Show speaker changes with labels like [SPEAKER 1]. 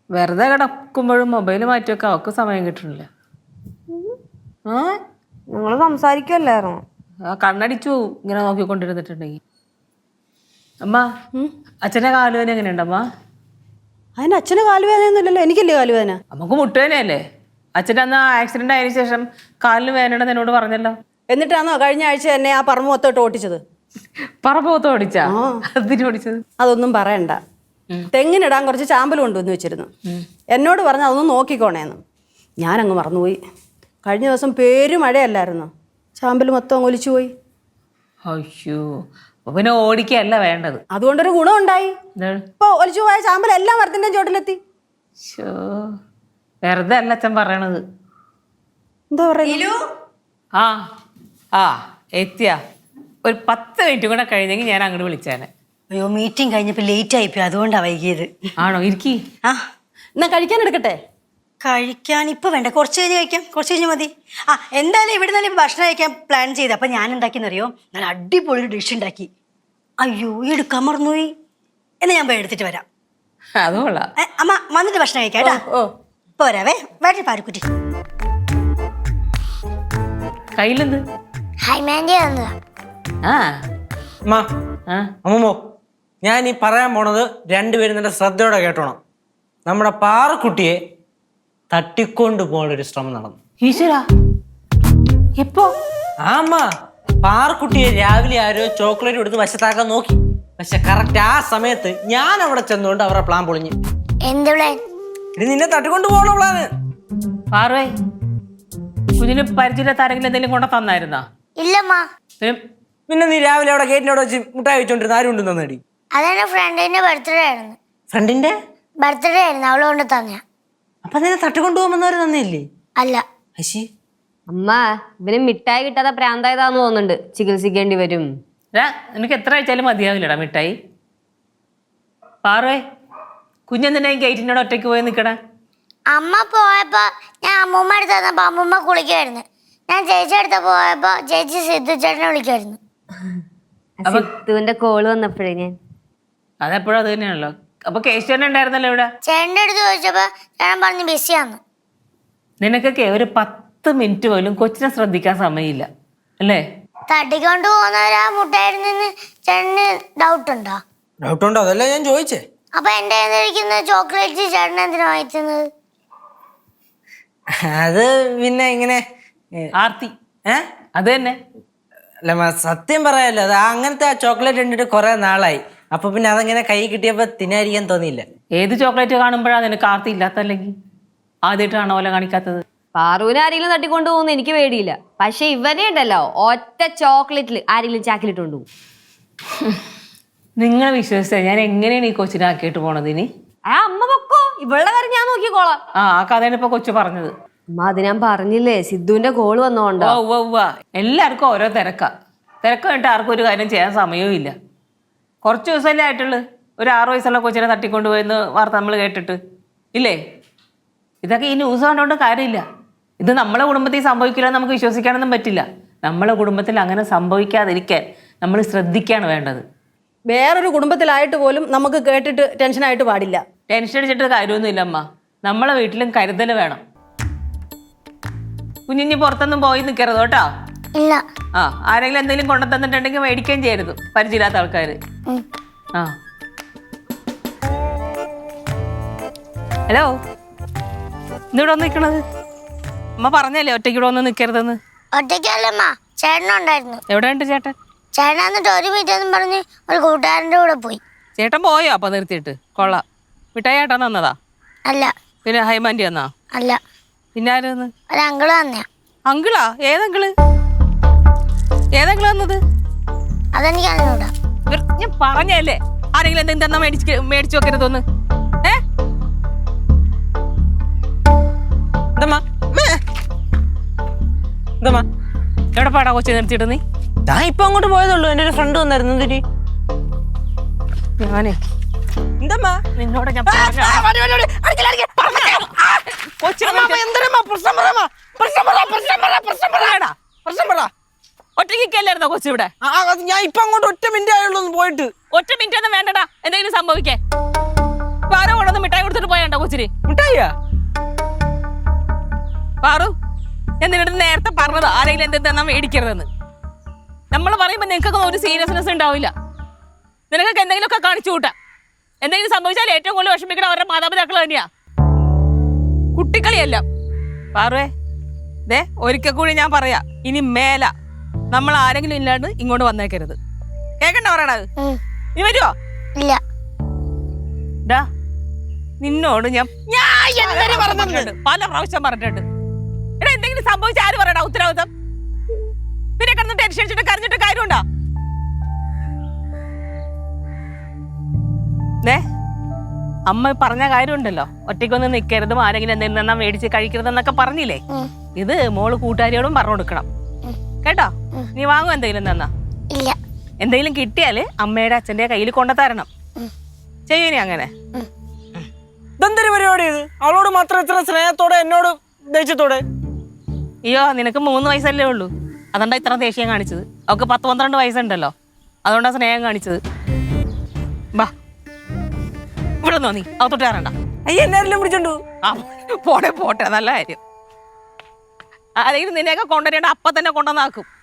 [SPEAKER 1] വെറുതെ കിടക്കുമ്പോഴും മൊബൈൽ മാറ്റിവെക്ക അവക്ക് സമയം കിട്ടണില്ല.
[SPEAKER 2] നിങ്ങൾ സംസാരിക്കുമല്ലായിരുന്നു.
[SPEAKER 1] ആ കണ്ണടിച്ചു ഇങ്ങനെ നോക്കിക്കൊണ്ടിരുന്നിട്ടുണ്ടെങ്കിൽ. അമ്മ അച്ഛൻ്റെ കാലുവേദന എങ്ങനെയുണ്ടമ്മ?
[SPEAKER 2] അതിന് അച്ഛന് കാലുവേദനയൊന്നുമില്ലല്ലോ, എനിക്കല്ലേ കാലുവേദന.
[SPEAKER 1] നമുക്ക് മുട്ടുവേദനയല്ലേ? അച്ഛൻ്റെ അന്ന് ആക്സിഡന്റ് ആയതിനു ശേഷം കാലിന് വേദനയുണ്ടെന്ന് എന്നോട് പറഞ്ഞല്ലോ.
[SPEAKER 2] എന്നിട്ടാണോ കഴിഞ്ഞ ആഴ്ച എന്നെ ആ പറമ്പ് മൊത്തമായിട്ട് ഓടിച്ചത്?
[SPEAKER 1] പറമ്പത്ത് ഓടിച്ചാ? അതിന് ഓടിച്ചത്?
[SPEAKER 2] അതൊന്നും പറയണ്ട. തെങ്ങിനിടാൻ കുറച്ച് ചാമ്പൽ കൊണ്ടുവന്ന് വെച്ചിരുന്നു. എന്നോട് പറഞ്ഞ് അതൊന്നും നോക്കിക്കോണേന്ന്. ഞാനങ്ങ് മറന്നുപോയി. കഴിഞ്ഞ ദിവസം മഴയല്ലായിരുന്നു, ചാമ്പൽ മൊത്തം ഒലിച്ചു പോയി.
[SPEAKER 1] അയ്യോ, പിന്നെ ഓടിക്കല്ല വേണ്ടത്.
[SPEAKER 2] അതുകൊണ്ടൊരു ഗുണമുണ്ടായി. ഇപ്പൊ ഒലിച്ചു പോയ ചാമ്പൽ എല്ലാം മരത്തിന്റെ ചോട്ടിലെത്തി.
[SPEAKER 1] വെറുതെ അല്ല അച്ഛൻ പറയണത്.
[SPEAKER 2] എന്താ പറയുക?
[SPEAKER 1] ആ ആ എത്തിയ ഒരു 10 മിനിറ്റ് കൂടെ കഴിഞ്ഞെങ്കിൽ ഞാൻ അങ്ങോട്ട് വിളിച്ചേനെ.
[SPEAKER 3] അയ്യോ, മീറ്റിംഗ് കഴിഞ്ഞപ്പോൾ ലേറ്റ് ആയിപ്പോയി, അതുകൊണ്ടാണ് വൈകിയത്.
[SPEAKER 1] ആണോ? ഇരിക്കി.
[SPEAKER 3] ആ
[SPEAKER 2] എന്നാ കഴിക്കാൻ എടുക്കട്ടെ?
[SPEAKER 3] കഴിക്കാൻ ഇപ്പൊ വേണ്ട, കുറച്ച് കഴിഞ്ഞ് കഴിക്കാം, കുറച്ച് കഴിഞ്ഞ് മതി. ആ എന്തായാലും ഇവിടെ നിന്ന് ഇപ്പൊ ഭക്ഷണം കഴിക്കാൻ പ്ലാൻ ചെയ്ത്. അപ്പൊ ഞാൻ എന്താക്കിയെന്നറിയോ, നല്ല അടിപൊളി ഒരു ഡിഷ് ഉണ്ടാക്കി. അയ്യോ, എടുക്കാൻ മറന്നുപോയി. എന്നാ ഞാൻ പോയി എടുത്തിട്ട് വരാം.
[SPEAKER 1] അതുകൊള്ളാം.
[SPEAKER 3] അമ്മ വന്നിട്ട് ഭക്ഷണം കഴിക്കാം കേട്ടാ. പോരാവേ, വേണ്ട പാരക്കുറ്റി.
[SPEAKER 1] കയ്യിലെന്ത്?
[SPEAKER 4] അമ്മമ്മോ, ഞാൻ ഈ പറയാൻ പോണത് രണ്ടുപേരും നല്ല ശ്രദ്ധയോടെ കേട്ടോണം. നമ്മുടെ പാറക്കുട്ടിയെ തട്ടിക്കൊണ്ടു പോകാനൊരു ശ്രമം നടന്നു.
[SPEAKER 1] ഈശ്വരാ, എപ്പോ?
[SPEAKER 4] ആമ്മ, പാറക്കുട്ടിയെ രാവിലെ ആരോ ചോക്ലേറ്റ് കൊടുത്ത് വശത്താക്കാൻ നോക്കി. പക്ഷെ കറക്റ്റ് ആ സമയത്ത് ഞാൻ അവിടെ ചെന്നുകൊണ്ട് അവരുടെ പ്ലാൻ പൊളിഞ്ഞു.
[SPEAKER 5] എന്ത് പ്ലാൻ?
[SPEAKER 4] ഇത് നിന്നെ തട്ടിക്കൊണ്ടു പോകണ പ്ലാന്.
[SPEAKER 1] പാറുവേ, കുഞ്ഞിന് പരിചയമില്ലാത്ത ആരെങ്കിലും എന്തെങ്കിലും കൊണ്ട തന്നായിരുന്നാ?
[SPEAKER 5] ഇല്ലമ്മ.
[SPEAKER 4] പിന്നെ നീ രാവിലെ അവിടെ ഗേറ്റിനോട് വെച്ച് മുട്ടായി വെച്ചോണ്ടിരുന്ന ആരും ഉണ്ട് തന്നേടി?
[SPEAKER 5] അതെന്റെ ഫ്രണ്ടിന്റെ ബർത്ത്ഡേ ആയിരുന്നു.
[SPEAKER 4] ഫ്രണ്ടിന്റെ
[SPEAKER 5] ബർത്ത്ഡേ ആയിരുന്നു, അവള് കൊണ്ട് തന്നെ.
[SPEAKER 4] അപ്പൊ നിന്നെ തട്ടിക്കൊണ്ടു പോകുന്നവര് തന്നെയല്ലേ?
[SPEAKER 5] അല്ല.
[SPEAKER 4] അശി,
[SPEAKER 2] അമ്മ, ഇവന് മിഠായി കിട്ടാതെ പ്രാന്തായതാന്ന് തോന്നുന്നുണ്ട്, ചികിത്സിക്കേണ്ടി വരും.
[SPEAKER 1] നിനക്ക് എത്ര അയച്ചാലും മതിയാവില്ലടാ മിഠായി. പാറുവേ, കുഞ്ഞെന്തിനാ ഗേറ്റിനോട് ഒറ്റയ്ക്ക് പോയി നിൽക്കണേ?
[SPEAKER 5] അമ്മ പോയപ്പോ ഞാൻ അമ്മൂമ്മ അടുത്ത് തന്നപ്പോ അമ്മൂമ്മ കുളിക്കായിരുന്നു. ഞാൻ ചേച്ചി അടുത്ത് പോയപ്പോ ചേച്ചി സിദ്ധു ചേട്ടനെ വിളിക്കായിരുന്നു.
[SPEAKER 2] സിദ്ധുവിന്റെ കോള് വന്നപ്പോഴേ ഞാൻ
[SPEAKER 1] അതെപ്പോഴും അത് തന്നെയാണല്ലോ. അപ്പൊ കേശവൻ ഉണ്ടായിരുന്നല്ലോ ഇവിടെ.
[SPEAKER 5] ചേട്ടൻ്റെ അടുത്ത് ചോദിച്ചപ്പോ ചേട്ടൻ പറഞ്ഞു ബിസിയാന്ന്.
[SPEAKER 1] നിനക്കൊക്കെ ഒരു 10 മിനിറ്റ് പോലും കൊച്ചിനെ ശ്രദ്ധിക്കാൻ സമയമില്ല അല്ലേ?
[SPEAKER 5] തട്ടിക്കൊണ്ട് പോകുന്നവരാ മുട്ടായിരുന്നെന്ന് ചേട്ടന് ഡൗട്ട് ഉണ്ടോ?
[SPEAKER 4] ഡൗട്ട് ഉണ്ടോ? അതല്ല ഞാൻ ചോദിച്ചേ.
[SPEAKER 5] അപ്പൊ എന്റെ ഇരിക്കുന്ന ചോക്ലേറ്റ് ചേട്ടൻ എന്തിനാ വാങ്ങിച്ചത്?
[SPEAKER 4] അത് പിന്നെ ഇങ്ങനെ
[SPEAKER 1] ആർത്തി അത് തന്നെ.
[SPEAKER 4] അല്ല, സത്യം പറയാലോ, അത് അങ്ങനത്തെ ആ ചോക്ലേറ്റ് കണ്ടിട്ട് കുറെ നാളായി. അപ്പൊ പിന്നെ അതങ്ങനെ കൈ കിട്ടിയപ്പോ തിന്നായിരിക്കാൻ തോന്നിയില്ല.
[SPEAKER 1] ഏത് ചോക്ലേറ്റ് കാണുമ്പോഴാണ് നിനക്ക് ആർത്തി ഇല്ലാത്തല്ലെങ്കിൽ? ആദ്യമായിട്ടാണോ പോലെ കാണിക്കാത്തത്?
[SPEAKER 2] പാറുവിനെ ആരെങ്കിലും തട്ടിക്കൊണ്ടു പോകുന്ന എനിക്ക് പേടിയില്ല. പക്ഷെ ഇവനെ ഉണ്ടല്ലോ, ഒറ്റ ചോക്ലേറ്റിൽ ആരെങ്കിലും ചാക്കിലിട്ട് കൊണ്ടുപോകും.
[SPEAKER 1] നിങ്ങളെ വിശ്വസിച്ച ഞാൻ എങ്ങനെയാണ് ഈ കൊച്ചിനെ ആക്കിയിട്ട് പോണത്? ഇനി
[SPEAKER 2] അമ്മ പൊക്കോ, ഇവളുടെ കാര്യം ഞാൻ നോക്കിക്കോളാം.
[SPEAKER 1] ആ കഥയാണ് ഇപ്പൊ കൊച്ചു പറഞ്ഞത്.
[SPEAKER 2] അമ്മ, അത് ഞാൻ പറഞ്ഞില്ലേ, സിദ്ധുവിന്റെ കോള് വന്നോണ്ടോ.
[SPEAKER 1] എല്ലാവർക്കും ഓരോ തിരക്ക് വേണ്ടിട്ട് ആർക്കും ഒരു കാര്യം ചെയ്യാൻ സമയവും ഇല്ല. കുറച്ച് ദിവസമല്ലേ ആയിട്ടുള്ളു ഒരു 6 വയസ്സുള്ള കൊച്ചിനെ തട്ടിക്കൊണ്ടുപോയെന്ന് വാർത്ത നമ്മൾ കേട്ടിട്ട് ഇല്ലേ? ഇതൊക്കെ ഈ ന്യൂസ് കണ്ടുകൊണ്ട് കാര്യമില്ല. ഇത് നമ്മളെ കുടുംബത്തിൽ സംഭവിക്കില്ല നമുക്ക് വിശ്വസിക്കാനൊന്നും പറ്റില്ല. നമ്മളെ കുടുംബത്തിൽ അങ്ങനെ സംഭവിക്കാതിരിക്കാൻ നമ്മൾ ശ്രദ്ധിക്കുകയാണ് വേണ്ടത്.
[SPEAKER 2] വേറൊരു കുടുംബത്തിലായിട്ട് പോലും നമുക്ക് കേട്ടിട്ട് ടെൻഷനായിട്ട് പാടില്ല.
[SPEAKER 1] ടെൻഷൻ അടിച്ചിട്ട് കാര്യമൊന്നുമില്ല അമ്മ. നമ്മളെ വീട്ടിലും കരുതൽ വേണം. കുഞ്ഞിഞ്ഞ് പുറത്തൊന്നും പോയി നിൽക്കരുത് കേട്ടോ.
[SPEAKER 5] ഇല്ല.
[SPEAKER 1] ആരെങ്കിലും എന്തെങ്കിലും കൊണ്ടു തന്നിട്ടുണ്ടെങ്കിൽ മേടിക്കുകയും ചെയ്യരുത്, പരിചയമില്ലാത്ത ആൾക്കാർ. ഹലോ, ഇന്നിവിടെ വന്ന് നിൽക്കണത്? അമ്മ പറഞ്ഞല്ലേ ഒറ്റയ്ക്കിവിടെ വന്ന് നിൽക്കരുതെന്ന്.
[SPEAKER 5] ഒറ്റയ്ക്കല്ലമ്മ, ചേട്ടനുണ്ടായിരുന്നു.
[SPEAKER 1] എവിടെ ഉണ്ട് ചേട്ടൻ?
[SPEAKER 5] ചേട്ടൻ എന്നിട്ട് ഒരു മിനിറ്റ് പറഞ്ഞ് ഒരു കൂട്ടുകാരൻ്റെ കൂടെ പോയി.
[SPEAKER 1] ചേട്ടൻ പോയോ? അപ്പൊ നിർത്തിയിട്ട് കൊള്ളാം. മിഠായി ചേട്ടൻ തന്നതാ?
[SPEAKER 5] അല്ല.
[SPEAKER 1] പിന്നെ ഹൈമാൻഡി തന്നാ?
[SPEAKER 5] അല്ല.
[SPEAKER 1] പിന്നെ ആരെന്ന്?
[SPEAKER 5] ഒരു അങ്കിള് തന്നെയാ.
[SPEAKER 1] അങ്കിളാ? ഏതെങ്കിള് തന്നത്?
[SPEAKER 5] അതെനിക്ക് അറിഞ്ഞൂടാ.
[SPEAKER 1] ഞാൻ പറഞ്ഞല്ലേ ആരെങ്കിലും എന്തെങ്കിലും തന്നാ മേടിച്ചു വെക്കരുതൊന്ന്. എവിടെ പാടാ കൊച്ചു നിർത്തിയിട്ട്? നീ
[SPEAKER 4] ഞാൻ ഇപ്പൊ അങ്ങോട്ട് പോയതുള്ളൂ. എന്റെ ഒരു ഫ്രണ്ട് വന്നായിരുന്നു. എന്തിരി
[SPEAKER 1] ഞാനേ
[SPEAKER 4] എന്തമ്മാ
[SPEAKER 1] നിന്നോട് ഞാൻ ഒറ്റയ്ക്കല്ലായിരുന്നോ കൊച്ചു ഇവിടെ?
[SPEAKER 4] ഞാൻ ഇപ്പൊ അങ്ങോട്ട് 1 മിനിറ്റ് ആയുള്ളൂ പോയിട്ട്.
[SPEAKER 1] 1 മിനിറ്റ് ഒന്നും വേണ്ടടാ എന്തെങ്കിലും സംഭവിക്കേ. ആരോ കൊണ്ടൊന്ന് മിഠായി കൊടുത്തിട്ട് പോയാ വേണ്ട കൊച്ചിന്.
[SPEAKER 4] മിഠായിയാ?
[SPEAKER 1] പാറു, ഞാൻ നിന്നോട് നേരത്തെ പറഞ്ഞത് ആരെങ്കിലും എന്തെന്നാ മേടിക്കരുതെന്ന്. നമ്മൾ പറയുമ്പോൾ നിനക്കൊക്കെ ഒരു സീരിയസ്നെസ് ഉണ്ടാവില്ല. നിനക്കൊക്കെ എന്തെങ്കിലുമൊക്കെ കാണിച്ചു കൂട്ടാം. എന്തെങ്കിലും സംഭവിച്ചാൽ ഏറ്റവും കൂടുതൽ വിഷമിക്കണം അവരുടെ മാതാപിതാക്കൾ തന്നെയാ. കുട്ടിക്കളിയല്ല. പാറുവേ, ദേ ഒരിക്കൽ കൂടി ഞാൻ പറയാ, ഇനി മേല നമ്മൾ ആരെങ്കിലും ഇല്ലാണ്ട് ഇങ്ങോട്ട് വന്നേക്കരുത്. കേക്കണ്ട പറയണത്? നീ വരുവോ?
[SPEAKER 5] ഇല്ല.
[SPEAKER 1] ഡാ, നിന്നോട് ഞാൻ പല പ്രാവശ്യം പറഞ്ഞിട്ടുണ്ട്. എടാ, എന്തെങ്കിലും സംഭവിച്ച ആര് പറയടാ ഉത്തരവാദിത്തം? പിന്നെ കിടന്ന് ടെൻഷൻ അടിച്ചിട്ട് കരഞ്ഞിട്ട് കാര്യമുണ്ടോ? അമ്മ പറഞ്ഞ കാര്യമുണ്ടല്ലോ, ഒറ്റയ്ക്കൊന്നും നിൽക്കരുതും, ആരെങ്കിലും എന്തെങ്കിലും തന്നാ മേടിച്ച് കഴിക്കരുതെന്നൊക്കെ പറഞ്ഞില്ലേ? ഇത് മോള് കൂട്ടുകാരിയോടും പറഞ്ഞു കൊടുക്കണം കേട്ടോ. നീ വാങ്ങും എന്തെങ്കിലും തന്നാ?
[SPEAKER 5] ഇല്ല.
[SPEAKER 1] എന്തെങ്കിലും കിട്ടിയാല് അമ്മയുടെ അച്ഛന്റെ കയ്യിൽ കൊണ്ടുതരണം. ചെയ്യൂനി അങ്ങനെ?
[SPEAKER 4] ഇതെന്തൊരു പരിപാടി ഇത്? അവളോട് മാത്രം ഇത്ര സ്നേഹത്തോടെ, എന്നോട് ദേഷ്യത്തോടെ?
[SPEAKER 1] അയ്യോ, നിനക്ക് 3 വയസ്സല്ലേ ഉള്ളൂ, അതുകൊണ്ടാ ഇത്ര ദേഷ്യം കാണിച്ചത്. അവൾക്ക് 10-12 വയസ്സുണ്ടല്ലോ, അതുകൊണ്ടാ സ്നേഹം കാണിച്ചത്. ബാ, ഇവിടെ നീ അകത്തോട്ട് കയറണ്ട.
[SPEAKER 4] അയ്യ, എല്ലാവരും പിടിച്ചോണ്ടു.
[SPEAKER 1] ആ, പോട്ടെ, നല്ല കാര്യം. ആരെങ്കിലും നിന്നെയൊക്കെ കൊണ്ടുവരേണ്ട അപ്പം തന്നെ കൊണ്ടുവന്നാക്കും.